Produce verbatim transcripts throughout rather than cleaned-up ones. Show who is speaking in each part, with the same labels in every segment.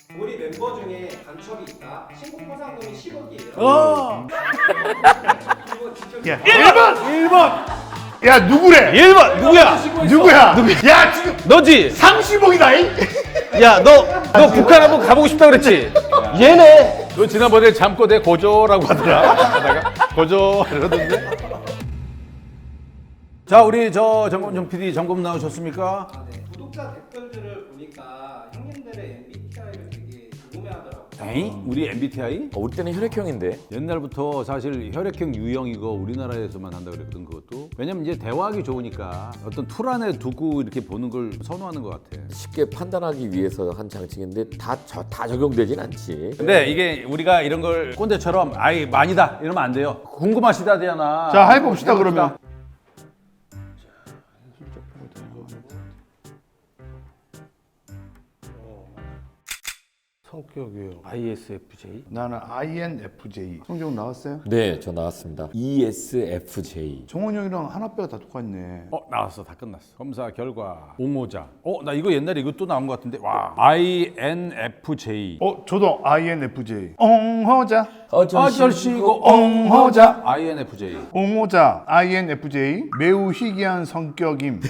Speaker 1: 우리 멤버 중에 간첩이 있다. 신고 포상금이 십억이에요.
Speaker 2: 어.
Speaker 1: 이거 진짜
Speaker 2: 야, 일 번! 일 번! 야, 누구래?
Speaker 3: 일 번 누구야?
Speaker 2: 누구야? 야, 지금
Speaker 3: 너지?
Speaker 2: 삼십억이다, 잉?
Speaker 3: 야, 너, 너 북한 한번 가보고 싶다 그랬지? 얘네.
Speaker 4: 너 지난번에 잠꼬 내 고조라고 하더라. 하다가 고조 이러던데. 자, 우리 저 정검정 피디 점검 나오셨습니까?
Speaker 1: 아, 네. 구독자 댓글들을 보니까 형님들의 엠비티아이를 되게 궁금해하더라고요.
Speaker 4: 에이? 우리 엠비티아이?
Speaker 5: 어, 우리 때는 혈액형인데.
Speaker 4: 옛날부터 사실 혈액형 유형이고 우리나라에서만 한다 그랬거든 그것도. 왜냐면 이제 대화하기 좋으니까 어떤 틀 안에 두고 이렇게 보는 걸 선호하는 것 같아.
Speaker 5: 쉽게 판단하기 위해서 한 장치인데 다, 저, 다 적용되진 않지.
Speaker 4: 근데 이게 우리가 이런 걸 꼰대처럼 아이 많이다 이러면 안 돼요. 궁금하시다잖아.
Speaker 2: 자, 해봅시다, 그러면.
Speaker 3: 성격이요. 아이에스에프제이.
Speaker 2: 나는 아이엔에프제이. 성적 나왔어요?
Speaker 5: 네, 저 나왔습니다. 이에스에프제이.
Speaker 2: 정원이 형이랑 하나뼈가 다 똑같네.
Speaker 4: 어 나왔어 다 끝났어. 검사 결과 옹호자. 어 나 이거 옛날에 이거 또 나온 것 같은데. 와 아이엔에프제이.
Speaker 2: 어, 저도 아이엔에프제이. 옹호자.
Speaker 4: 아저씨고
Speaker 2: 옹호자.
Speaker 4: 아이엔에프제이.
Speaker 2: 옹호자 아이엔에프제이 매우 희귀한 성격임.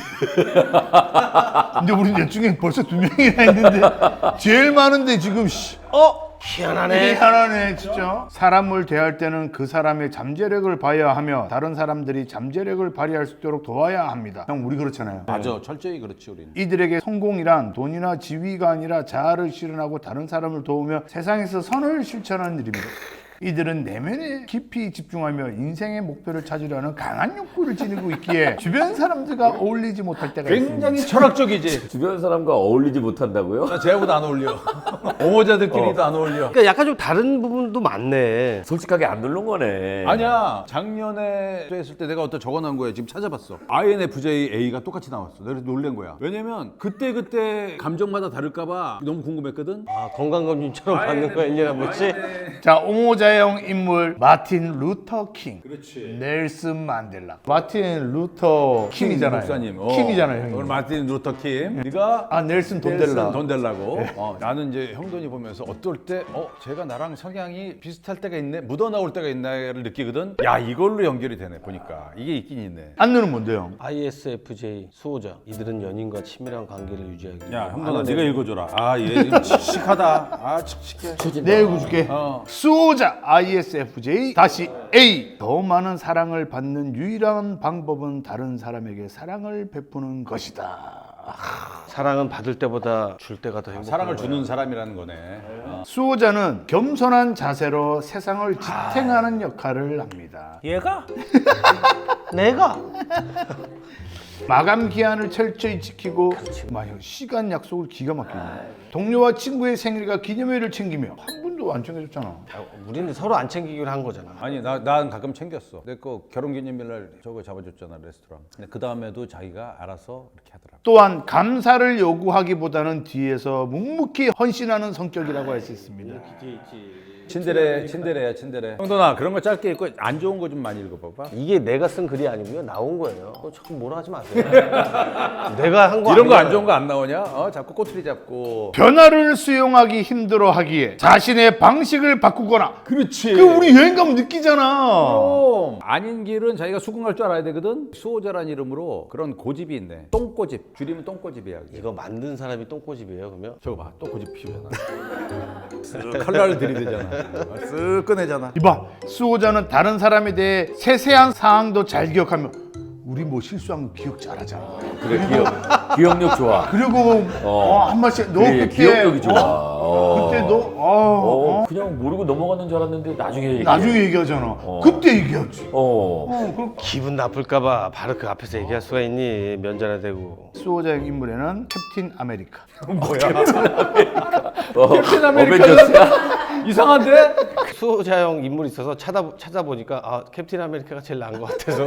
Speaker 2: 근데 우리 넷 중에 벌써 두 명이나 있는데 제일 많은데 지금 씨.
Speaker 3: 어? 희한하네.
Speaker 2: 희한하네 진짜. 사람을 대할 때는 그 사람의 잠재력을 봐야 하며 다른 사람들이 잠재력을 발휘할 수 있도록 도와야 합니다. 형 우리 그렇잖아요.
Speaker 4: 맞아 철저히 그렇지 우리는.
Speaker 2: 이들에게 성공이란 돈이나 지위가 아니라 자아를 실현하고 다른 사람을 도우며 세상에서 선을 실천하는 일입니다. 이들은 내면에 깊이 집중하며 인생의 목표를 찾으려는 강한 욕구를 지니고 있기에 주변 사람들과 어울리지 못할 때가
Speaker 4: 굉장히
Speaker 2: 있습니다.
Speaker 4: 철학적이지.
Speaker 5: 주변 사람과 어울리지 못한다고요?
Speaker 4: 나 쟤하고도 안 어울려. 옹호자들끼리도 안 어울려.
Speaker 3: 그러니까 약간 좀 다른 부분도 많네.
Speaker 5: 솔직하게 안 누른 거네.
Speaker 4: 아니야 작년에 했을 때 내가 어떤 적어놓은 거야. 지금 찾아봤어. 아이엔에프제이 A가 똑같이 나왔어. 내가 놀란 거야. 왜냐면 그때 그때 감정마다 다를까봐 너무 궁금했거든.
Speaker 3: 아, 건강검진처럼 받는 거야, 일 년에 한 번씩?
Speaker 2: 자, 옹호자형 인물 마틴 루터 킹.
Speaker 4: 그렇지.
Speaker 2: 넬슨 만델라. 마틴 루터 킹이잖아요.
Speaker 4: 목사님. 어.
Speaker 2: 킹이잖아요,
Speaker 4: 오늘
Speaker 2: 형님.
Speaker 4: 마틴 루터 킴. 네가
Speaker 2: 아, 넬슨 돈델라.
Speaker 4: 넬슨 돈델라고. 어, 나는 이제 형돈이 보면서 어떨 때, 어, 제가 나랑 성향이 비슷할 때가 있네, 묻어 나올 때가 있나를 느끼거든. 야, 이걸로 연결이 되네. 보니까 이게 있긴 있네.
Speaker 2: 안누는 뭔데요?
Speaker 3: 아이에스에프제이 수호자. 이들은 연인과 친밀한 관계를 유지하기 위해
Speaker 4: 야, 형돈아, 네가 읽어줘라. 아, 얘 지금 칙칙하다. 아, 칙칙해.
Speaker 2: 내 읽어줄게.
Speaker 4: 어.
Speaker 2: 수호자 아이에스에프제이 다시 A. 더 많은 사랑을 받는 유일한 방법은 다른 사람에게 사랑을 베푸는 것이다.
Speaker 3: 사랑은 받을 때보다 줄 때가 더 행복한
Speaker 4: 사랑을
Speaker 3: 거야.
Speaker 4: 주는 사람이라는 거네. 어.
Speaker 2: 수호자는 겸손한 자세로 세상을 지탱하는 역할을 합니다.
Speaker 3: 얘가? 내가?
Speaker 2: 마감 기한을 철저히 지키고 막 시간 약속을 기가 막히네. 동료와 친구의 생일과 기념일을 챙기며 한 분도 안 챙겨줬잖아.
Speaker 3: 야, 우리는 서로 안 챙기기로 한 거잖아.
Speaker 4: 아니, 나, 난 가끔 챙겼어. 내 거 결혼기념일날 저거 잡아줬잖아, 레스토랑. 근데 그 다음에도 자기가 알아서 이렇게 하더라고.
Speaker 2: 또한 감사를 요구하기보다는 뒤에서 묵묵히 헌신하는 성격이라고 할 수 있습니다.
Speaker 4: 친데레, 친데레야, 친데레. 형돈아, 그런 거 짧게 읽고 안 좋은 거 좀 많이 읽어봐봐.
Speaker 3: 이게 내가 쓴 글이 아니고요. 나온 거예요. 어, 자꾸 뭐라 하지 마세요. 내가 한 거
Speaker 4: 이런 거 안
Speaker 3: 아니잖아요.
Speaker 4: 좋은 거 안 나오냐? 어, 자꾸 꼬투리 잡고.
Speaker 2: 변화를 수용하기 힘들어하기에 자신의 방식을 바꾸거나.
Speaker 4: 그렇지.
Speaker 2: 그 우리 여행 가면 느끼잖아.
Speaker 4: 그럼 아닌 길은 자기가 수긍할 줄 알아야 되거든. 수호자란 이름으로 그런 고집이 있네. 똥고집. 줄이면 똥고집이야. 그게.
Speaker 3: 이거 만든 사람이 똥꼬집이에요, 그러면?
Speaker 4: 저거 봐, 또 고집 피우잖아. 쓱 칼날을 들이대잖아. 쓱 꺼내잖아.
Speaker 2: 이봐, 수호자는 다른 사람에 대해 세세한 사항도 잘 기억하며 우리 뭐 실수한 거 기억 잘하잖아.
Speaker 5: 그래, 기억, 기억력 좋아.
Speaker 2: 그리고 어, 한 마씩 너
Speaker 5: 그래,
Speaker 2: 그때
Speaker 5: 기억력이 좋아.
Speaker 2: 어?
Speaker 5: 어.
Speaker 2: 그때 너 어,
Speaker 5: 어, 그냥 모르고 넘어가는 줄 알았는데 나중에 얘기해.
Speaker 2: 나중에 얘기하잖아. 그때 얘기하지.
Speaker 5: 어.
Speaker 2: 어, 그럼
Speaker 3: 기분 나쁠까봐 바로 그 앞에서 얘기할 수가 있니? 면전에 대고.
Speaker 2: 수호자의 인물에는 캡틴 아메리카.
Speaker 5: 어,
Speaker 4: 캡틴 아메리카.
Speaker 5: 어벤져스야?
Speaker 4: 이상한데?
Speaker 3: 수호자형 인물이 있어서 찾아, 찾아보니까 아, 캡틴 아메리카가 제일 나은 것 같아서.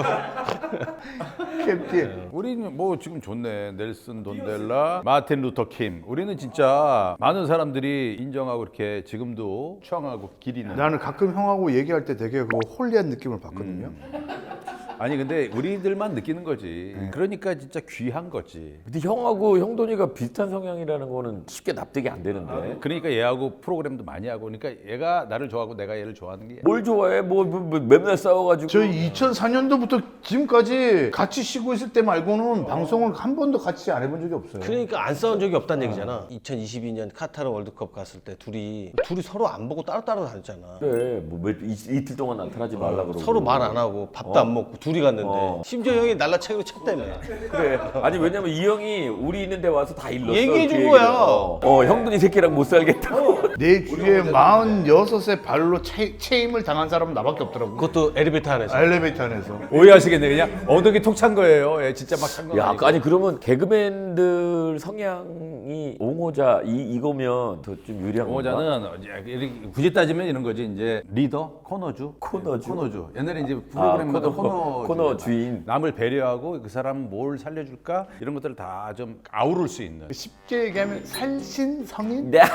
Speaker 2: 캡틴.
Speaker 4: 우리는 뭐 지금 좋네. 넬슨 돈델라, 마틴 루터 킴. 우리는 진짜 많은 사람들이 인정하고 이렇게 지금도 추앙하고 기리는.
Speaker 2: 나는 가끔 형하고 얘기할 때 되게 그 홀리한 느낌을 받거든요.
Speaker 4: 아니 근데 우리들만 느끼는 거지. 그러니까 진짜 귀한 거지.
Speaker 5: 근데 형하고 형돈이가 비슷한 성향이라는 거는 쉽게 납득이 안 되는데.
Speaker 4: 그러니까 얘하고 프로그램도 많이 하고 그러니까 얘가 나를 좋아하고 내가 얘를 좋아하는 게
Speaker 5: 뭘 좋아해? 뭐, 뭐, 뭐 맨날 싸워가지고.
Speaker 2: 저희 이천사 년도부터 지금까지 같이 쉬고 있을 때 말고는 방송을 한 번도 같이 안 해본 적이 없어요.
Speaker 3: 그러니까 안 싸운 적이 없다는 얘기잖아. 이천이십이 년 카타르 월드컵 갔을 때 둘이 둘이 서로 안 보고 따로따로 다녔잖아.
Speaker 5: 그래, 뭐 몇, 이, 이틀 동안 나타나지 말라 그러고.
Speaker 3: 서로 말 안 하고 밥도 안 먹고 둘이 갔는데
Speaker 5: 어.
Speaker 3: 심지어 형이 날라차기로 쳤다며.
Speaker 5: 그래. 아니 왜냐면 이 형이 우리 있는데 와서 다 일렀어.
Speaker 3: 얘기해 준
Speaker 5: 그
Speaker 3: 거야.
Speaker 5: 얘기를. 어, 어, 형돈이 새끼랑 못 살겠다고.
Speaker 2: 내 주위에 마흔여섯에 발로 채, 체임을 당한 사람은 나밖에 없더라고.
Speaker 3: 그것도 엘리베이터 안에서.
Speaker 2: 엘리베이터 안에서.
Speaker 4: 오해하시겠네. 그냥 어덕이 톡 찬 거예요. 예, 진짜 막 찬 거.
Speaker 5: 야, 아니 그러면 개그맨들 성향이 옹호자 이 이거면 더 좀 유리한 건가?
Speaker 4: 오자는 이렇게 굳이 따지면 이런 거지. 이제 리더, 코너주,
Speaker 5: 코너주?
Speaker 4: 코너주. 옛날에 이제 프로그램마다
Speaker 5: 아, 코너,
Speaker 4: 코너,
Speaker 5: 코너 주인.
Speaker 4: 남을 배려하고 그 사람 뭘 살려줄까 이런 것들을 다 좀 아우를 수 있는.
Speaker 2: 쉽게 얘기하면 살신성인?
Speaker 5: 네.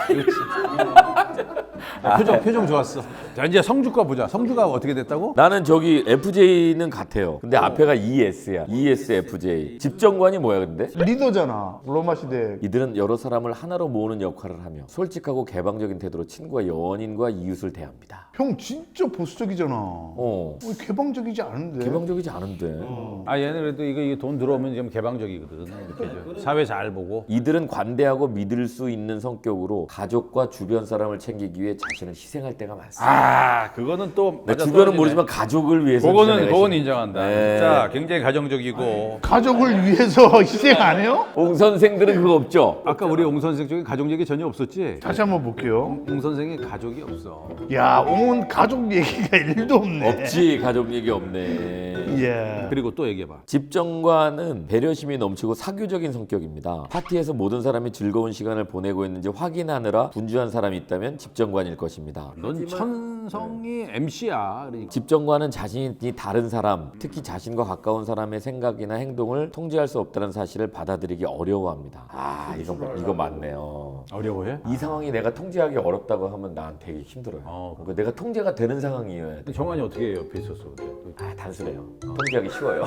Speaker 4: 아, 표정 표정 좋았어. 자 이제 성주과 보자. 성주가 어떻게 됐다고?
Speaker 5: 나는 저기 에프제이는 같아요. 근데 앞에가 이에스야. 이에스에프제이. 집정관이 뭐야 근데?
Speaker 2: 리더잖아. 로마 시대.
Speaker 5: 이들은 여러 사람을 하나로 모으는 역할을 하며 솔직하고 개방적인 태도로 친구와 연인과 이웃을 대합니다.
Speaker 2: 형 진짜 보수적이잖아.
Speaker 5: 어.
Speaker 2: 어, 개방적이지 않은데.
Speaker 5: 개방적이지 않은데.
Speaker 4: 아 얘는 그래도 이거, 이거 돈 들어오면 좀 개방적이거든. 이렇게 좀 사회 잘 보고.
Speaker 5: 이들은 관대하고 믿을 수 있는 성격으로 가족과 주변 사람을 챙기기 위해 자신을 희생할 때가 많습니다.
Speaker 4: 아 그거는 또
Speaker 5: 내
Speaker 4: 맞아
Speaker 5: 주변은
Speaker 4: 떨어지네.
Speaker 5: 모르지만 가족을 위해서
Speaker 4: 그거는
Speaker 5: 희생을
Speaker 4: 그건
Speaker 5: 하시-
Speaker 4: 인정한다.
Speaker 5: 네.
Speaker 4: 진짜 굉장히 가정적이고.
Speaker 2: 가족을 위해서 희생 안 해요?
Speaker 5: 옹 선생들은 그거 없죠?
Speaker 4: 아까 우리 옹 선생 쪽에 가족 얘기 전혀 없었지?
Speaker 2: 다시 한번 볼게요.
Speaker 4: 옹 선생이 가족이 없어.
Speaker 2: 야, 옹은 가족 얘기가 일도 없네.
Speaker 5: 없지. 가족 얘기 없네.
Speaker 2: 예.
Speaker 4: 그리고 또 얘기해봐.
Speaker 5: 집정관은 배려심이 넘치고 사교적인 성격입니다. 파티에서 모든 사람이 즐거운 시간을 보내고 있는지 확인하느라 분주한 사람이 있다면 집정관일 것입니다.
Speaker 4: 넌 천성이 엠씨야. 그러니까.
Speaker 5: 집정관은 자신이 다른 사람, 특히 자신과 가까운 사람의 생각이나 행동을 통제할 수 없다는 사실을 받아들이기 어려워합니다. 아, 이거 이거 맞네요.
Speaker 4: 어려워해?
Speaker 5: 이 상황이 내가 통제하기 어렵다고 하면 난 되게 힘들어요.
Speaker 4: 어,
Speaker 5: 그러니까 내가 통제가 되는 상황이어야 돼.
Speaker 4: 근데 정환이 어떻게 옆에 있었어? 그때?
Speaker 5: 아, 단순해요. 통제하기 쉬워요.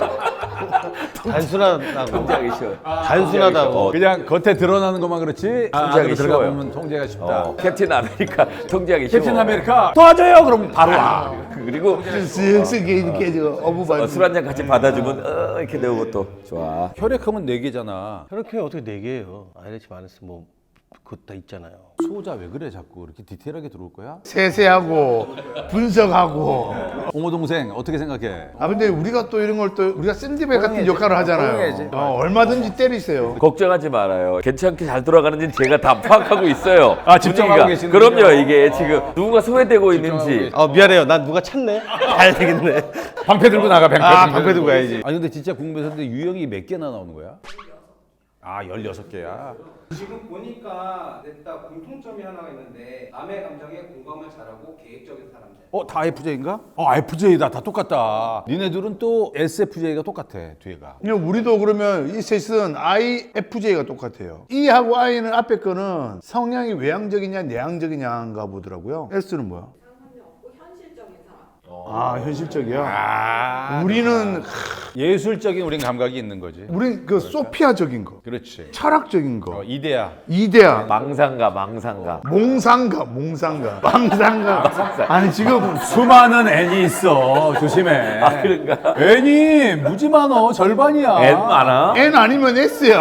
Speaker 3: 단순하다고.
Speaker 5: 통제하기 쉬워요.
Speaker 3: 단순하다고.
Speaker 5: 어,
Speaker 4: 그냥 겉에 드러나는 것만 그렇지 아,
Speaker 5: 통제하기
Speaker 4: 안으로 들어가
Speaker 5: 쉬워요.
Speaker 4: 보면 통제가 쉽다.
Speaker 5: 어, 캡틴 아메리카 통제하기 쉬워.
Speaker 4: 캡틴 아메리카 도와줘요. 그럼 바로 와.
Speaker 5: 그리고
Speaker 2: 쓱쓱 이렇게 저 어부바.
Speaker 5: 술 한 잔 같이 받아주면 어, 이렇게 내고 또 좋아.
Speaker 4: 혈액형은 네 개잖아.
Speaker 3: 그렇게 어떻게 네 개예요? 아이레치 마이너스 뭐 그거 다 있잖아요.
Speaker 4: 소자 왜 그래 자꾸 이렇게 디테일하게 들어올 거야?
Speaker 2: 세세하고 분석하고.
Speaker 4: 옹호 동생 어떻게 생각해?
Speaker 2: 아 근데 우리가 또 이런 걸 또 우리가 샌드백 같은
Speaker 4: 호응해야지.
Speaker 2: 역할을
Speaker 4: 호응해야지.
Speaker 2: 하잖아요. 어, 얼마든지 때리세요.
Speaker 5: 걱정하지 말아요. 괜찮게 잘 돌아가는지 제가 다 파악하고 있어요.
Speaker 4: 아, 집중하고
Speaker 5: 분위기가.
Speaker 4: 계시는군요.
Speaker 5: 그럼요. 이게 지금 누군가 소외되고 있는지.
Speaker 3: 아 미안해요. 난 누가 찾네. 가야 되겠네.
Speaker 4: 방패 들고 나가 방패.
Speaker 3: 아, 방패 들고 가야지.
Speaker 4: 아니 근데 진짜 궁금해서 근데 유형이 몇 개나 나오는 거야? 아 열여섯 개야.
Speaker 1: 지금 보니까 냈다 공통점이 하나가 있는데 남의 감정에 공감을 잘하고 계획적인 사람들.
Speaker 4: 어, 다 에프제이인가? 어, 에프제이다. 다 똑같다. 니네들은 또 에스에프제이가 똑같아, 뒤에가.
Speaker 2: 그냥 우리도 그러면 이 셋은 아이에프제이가 똑같아요. E하고 I는 앞에 거는 성향이 외향적이냐 내향적이냐인가 보더라고요. S는 뭐야?
Speaker 6: 상관이 없고 현실적인 사람.
Speaker 2: 아 현실적이야.
Speaker 4: 아,
Speaker 2: 우리는
Speaker 4: 예술적인 우린 감각이 있는 거지.
Speaker 2: 우리 그 소피아적인 거,
Speaker 4: 그렇지.
Speaker 2: 철학적인
Speaker 4: 어,
Speaker 2: 거,
Speaker 4: 이데아.
Speaker 2: 이데아,
Speaker 5: 망상가, 망상가.
Speaker 2: 몽상가, 몽상가, 망상가. 아니 지금
Speaker 4: 수많은 N이 있어. 조심해.
Speaker 5: 아, 그런가?
Speaker 4: N이 무지 많어. 절반이야.
Speaker 5: N 많아?
Speaker 2: N 아니면 S야.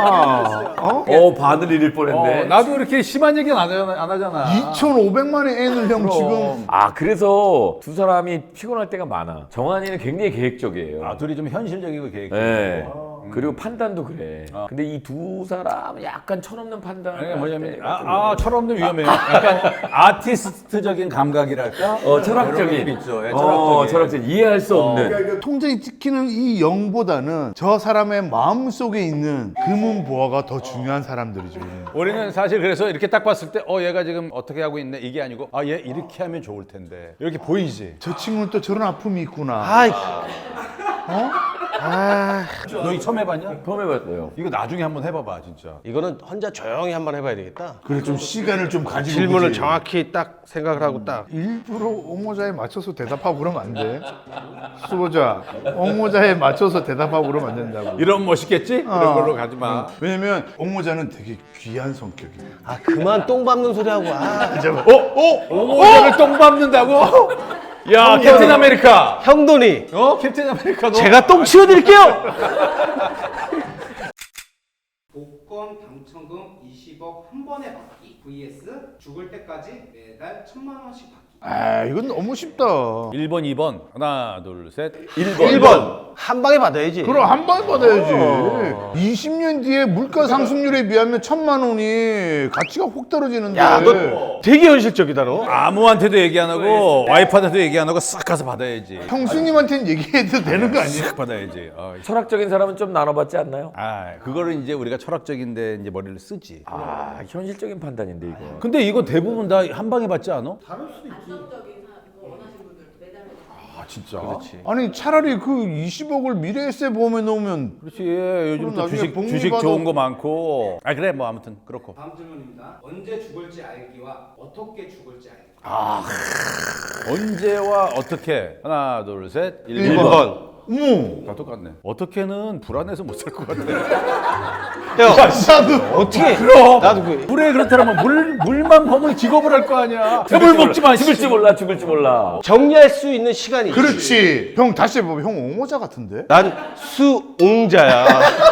Speaker 2: 어?
Speaker 5: 어, 바늘 잃을 뻔했네.
Speaker 4: 어, 나도 이렇게 심한 얘기는 안 하잖아. 안 하잖아.
Speaker 2: 이천오백만의 N을 형 지금
Speaker 5: 아, 그래서 두 사람이 피곤할 때가 많아. 정한이는 굉장히 계획적이에요.
Speaker 4: 아, 둘이 좀 현실적이고 계획적이고.
Speaker 5: 네. 그리고 판단도 그래. 근데 이 두 사람은 약간 철없는 판단.
Speaker 4: 아니, 뭐냐면 아, 아 철없는 위험해요. 약간 아티스트적인 감각이랄까?
Speaker 5: 어, 철학적인.
Speaker 4: 그런 게 있죠. 예,
Speaker 5: 어,
Speaker 4: 철학적인.
Speaker 5: 철학적인. 이해할 수 없는.
Speaker 2: 통장이 찍히는 이 영보다는 저 사람의 마음 속에 있는 금은 보화가 더 중요한 사람들이죠.
Speaker 4: 우리는 사실 그래서 이렇게 딱 봤을 때 어 얘가 지금 어떻게 하고 있네 이게 아니고 아 얘 이렇게 하면 좋을 텐데 이렇게 보이지.
Speaker 2: 저 친구는 또 저런 아픔이 있구나.
Speaker 3: 아이
Speaker 2: 어?
Speaker 4: 너 이거 처음 해봤냐?
Speaker 5: 처음 해봤어요.
Speaker 4: 이거 나중에 한번 해봐봐 진짜.
Speaker 3: 이거는 혼자 조용히 한번 해봐야 되겠다.
Speaker 2: 그래 좀 시간을 좀 가지고
Speaker 3: 질문을
Speaker 2: 그지.
Speaker 3: 정확히 딱 생각을 하고 딱.
Speaker 2: 일부러 옹호자에 맞춰서 대답하고 그러면 안 돼. 수보자 옹호자에 맞춰서 대답하고 그러면 안 된다고.
Speaker 4: 이런 멋있겠지? 이런 걸로 가지 마.
Speaker 2: 왜냐면 옹호자는 되게 귀한 성격이야.
Speaker 3: 아 그만 똥 밟는 소리 하고. 아
Speaker 4: 어? 어? 오모자를 똥 밟는다고? 야 캡틴 아메리카.
Speaker 3: 형돈이
Speaker 4: 어? 캡틴 아메리카 너.
Speaker 3: 제가 똥 치워드릴게요.
Speaker 1: 복권 당첨금 이십억 한 번에 받기 vs 죽을 때까지 매달 천만 원씩 받기.
Speaker 2: 아 이건 너무 쉽다.
Speaker 4: 일 번, 이 번. 하나, 둘, 셋.
Speaker 3: 일 번 한 방에 받아야지.
Speaker 2: 그럼 한 번 받아야지. 이십 년 뒤에 물가 상승률에 비하면 천만 원이 가치가 확 떨어지는데.
Speaker 3: 야 너 되게 현실적이다 너.
Speaker 4: 아무한테도 얘기 안 하고 와이프한테도 얘기 안 하고 싹 가서 받아야지.
Speaker 2: 형수님한테는 얘기해도 되는 거 아니야?
Speaker 4: 싹 받아야지. 어.
Speaker 5: 철학적인 사람은 좀 나눠봤지 않나요?
Speaker 4: 아, 그거를 이제 우리가 철학적인데 이제 머리를 쓰지.
Speaker 5: 아 현실적인 판단인데 이거.
Speaker 4: 근데 이거 대부분 다 한 방에 받지 않아?
Speaker 6: 안정적인 사람 거 원하시는 분들 매달 매달.
Speaker 4: 아, 진짜.
Speaker 3: 그렇지.
Speaker 2: 아니 차라리 그 이십억을 미래에세 보험에 넣으면
Speaker 4: 그렇지. 요즘
Speaker 2: 그럼
Speaker 4: 또
Speaker 2: 나중에
Speaker 4: 주식
Speaker 2: 복리
Speaker 4: 주식
Speaker 2: 받아-
Speaker 4: 좋은 거 많고. 아, 그래. 뭐 아무튼 그렇고.
Speaker 1: 다음 질문입니다. 언제 죽을지 알기와 어떻게 죽을지 알기.
Speaker 4: 언제와 어떻게? 하나, 둘, 셋.
Speaker 2: 일
Speaker 3: 번.
Speaker 4: 번.
Speaker 2: 어머
Speaker 4: 다 똑같네. 어떻게는 불안해서 못 살 것 같아.
Speaker 3: 형
Speaker 2: 나도
Speaker 3: 어떻게?
Speaker 4: 그럼.
Speaker 3: 나도 그
Speaker 4: 불에 그렇다면 물 물만 범을 기겁을 할 거 아니야. 물 먹지 마.
Speaker 5: 죽을지 몰라 죽을지 몰라.
Speaker 3: 정리할 수 있는 시간이. 있지.
Speaker 2: 그렇지. 형 다시 해봐. 형 옹호자 같은데?
Speaker 3: 난 수옹자야.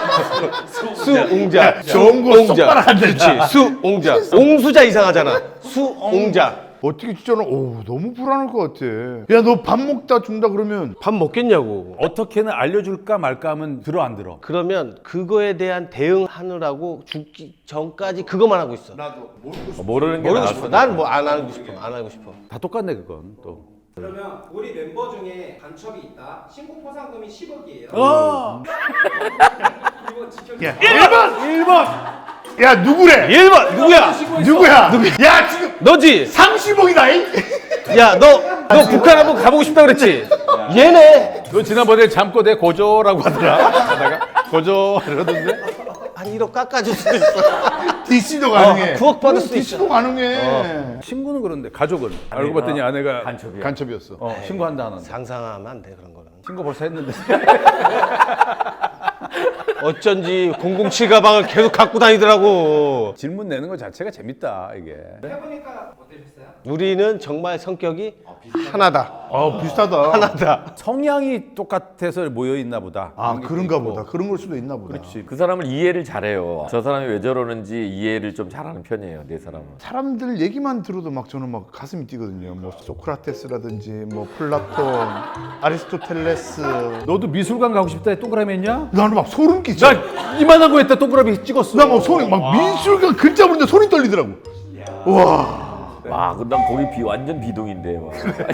Speaker 3: 수옹자.
Speaker 2: 좋은 거 똑바로 안
Speaker 3: 그렇지. 수옹자. 옹수자 이상하잖아. 수옹자.
Speaker 2: 어떻게 진짜로 오 너무 불안할 것 같아. 야 너 밥 먹다 죽는다 그러면
Speaker 3: 밥 먹겠냐고.
Speaker 4: 어떻게는 알려줄까 말까 하면 들어 안 들어.
Speaker 3: 그러면 그거에 대한 대응하느라고 죽기 전까지 그것만 하고 있어.
Speaker 5: 어, 모르는 게
Speaker 3: 모르고
Speaker 5: 나았어.
Speaker 3: 싶어. 난 뭐 안 하고 싶어. 안 하고 싶어.
Speaker 4: 다 똑같네 그건 또.
Speaker 1: 그러면 우리 멤버 중에 간첩이 있다. 신고 포상금이 십억이에요.
Speaker 4: 어.
Speaker 1: 이거 지켜.
Speaker 2: 야 일 번! 일 번! 야 누구래?
Speaker 3: 일 번 누구야?
Speaker 2: 누구야? 야 지금
Speaker 3: 너지.
Speaker 2: 삼십억이다 이?
Speaker 3: 야 너 너 북한 한번 가보고 싶다 그랬지? 얘네
Speaker 4: 너 지난번에 잠꼬 대 고조라고 하더라. 하다가 고조 이러던데.
Speaker 3: 한 일억 깎아줄 수도 있어.
Speaker 2: 디씨도 가능해.
Speaker 3: 어, 구억 받을 수도
Speaker 2: 디씨도 가능해.
Speaker 4: 친구는 그런데 가족은 알고 봤더니 아내가
Speaker 5: 간첩이야.
Speaker 2: 간첩이었어.
Speaker 4: 어, 신고한다 하는데.
Speaker 3: 상상하면 안 돼 그런 거는.
Speaker 4: 신고 벌써 했는데.
Speaker 3: 어쩐지 공공칠 가방을 계속 갖고 다니더라고.
Speaker 4: 질문 내는 거 자체가 재밌다 이게.
Speaker 1: 해보니까 어떠셨어요?
Speaker 3: 우리는 정말 성격이 하나다.
Speaker 2: 아 비슷하다.
Speaker 3: 하나다.
Speaker 4: 성향이 똑같아서 모여 있나 보다.
Speaker 2: 아
Speaker 4: 게
Speaker 2: 그런가
Speaker 4: 있고.
Speaker 2: 보다. 그런 걸 수도 있나 보다.
Speaker 4: 그렇지.
Speaker 5: 그 사람을 이해를 잘해요. 저 사람이 왜 저러는지 이해를 좀 잘하는 편이에요. 내 사람은.
Speaker 2: 사람들 얘기만 들어도 막 저는 막 가슴이 뛰거든요. 뭐 소크라테스라든지 뭐 플라톤, 아리스토텔레스.
Speaker 4: 너도 미술관 가고 싶다 해 동그라미 했냐?
Speaker 2: 나는 막 소름 끼쳐.
Speaker 4: 나 이만한 거 했다 동그라미 찍었어.
Speaker 2: 나 막 손이 막 미술관 글자 보는데 손이 떨리더라고. 와.
Speaker 5: 와, 근데 난 거기 비 완전 비동인데. 막.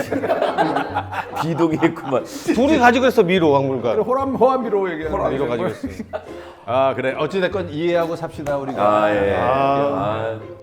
Speaker 5: 비동이했구만.
Speaker 3: 둘이 가지고 있어 미로 박물관.
Speaker 4: 호람 호암비로 얘기하는 거.
Speaker 3: 미로 가지고 있어.
Speaker 4: 아 그래. 어찌 됐건 이해하고 삽시다 우리가.
Speaker 5: 아 예.
Speaker 2: 아.
Speaker 5: 아.